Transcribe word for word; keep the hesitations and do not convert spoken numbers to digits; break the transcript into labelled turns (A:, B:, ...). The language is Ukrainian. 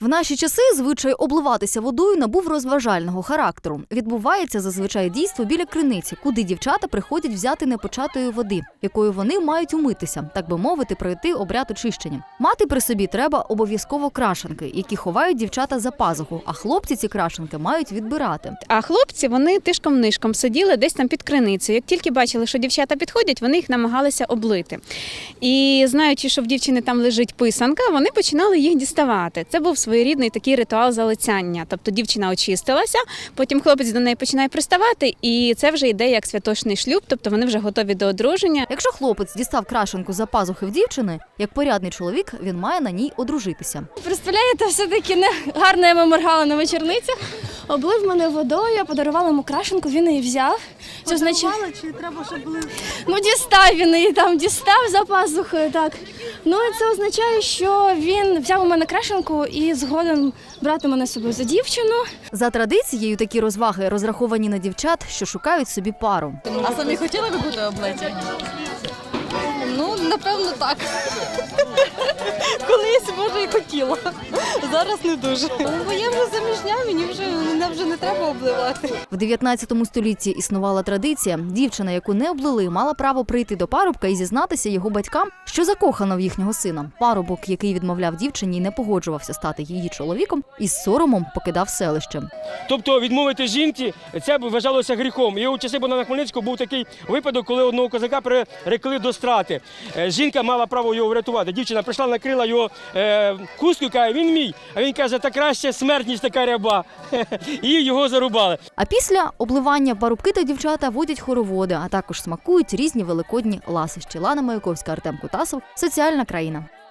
A: В наші часи звичай обливатися водою набув розважального характеру. Відбувається зазвичай дійство біля криниці, куди дівчата приходять взяти непочатої води, якою вони мають умитися, так би мовити, пройти обряд очищення. Мати при собі треба обов'язково крашанки, які ховають дівчата за пазуху, а хлопці ці крашанки мають відбирати.
B: А хлопці, вони тишком-нишком сиділи десь там під криницею. Як тільки бачили, що дівчата підходять, вони їх намагалися облити. І знаючи, що в дівчини там лежить писанка, вони починали їх діставати. Це був своєрідний такий ритуал залицяння. Тобто дівчина очистилася, потім хлопець до неї починає приставати, і це вже йде як святочний шлюб, тобто вони вже готові до одруження.
A: Якщо хлопець дістав крашенку за пазухи в дівчини, як порядний чоловік, він має на ній одружитися.
C: Представляєте, все-таки не гарно я моргала на вечорницях. Облив мене водою, подарувала йому крашенку, він її взяв. Це означає...
D: чи треба, щоб були?
C: Ну, дістав він її там, дістав за пазухою, так. Ну, і це означає, що він взяв у мене крашенку і згоден брати мене з собою за дівчину.
A: За традицією, такі розваги розраховані на дівчат, що шукають собі пару.
E: А самі хотіли би бути облеті? Ну, напевно, так. Колись, може, і хотіла. Зараз не дуже. Бо я вже заміжня, мені вже, мене вже не треба обливати.
A: В дев'ятнадцятому столітті існувала традиція. Дівчина, яку не облили, мала право прийти до парубка і зізнатися його батькам, що закохана в їхнього сина. Парубок, який відмовляв дівчині і не погоджувався стати її чоловіком, із соромом покидав селище.
F: Тобто відмовити жінці, це вважалося гріхом. І у часи Богдана Хмельницького був такий випадок, коли одного козака прирекли до страти. Жінка мала право його врятувати. Дівчина прийшла, накрила його е, хусткою, каже, він мій. А він каже, та краще смерть, ніж така ряба. І його зарубали.
A: А після обливання парубки та дівчата водять хороводи, а також смакують різні великодні ласощі. Лана Маяковська, Артем Кутасов. Соціальна країна.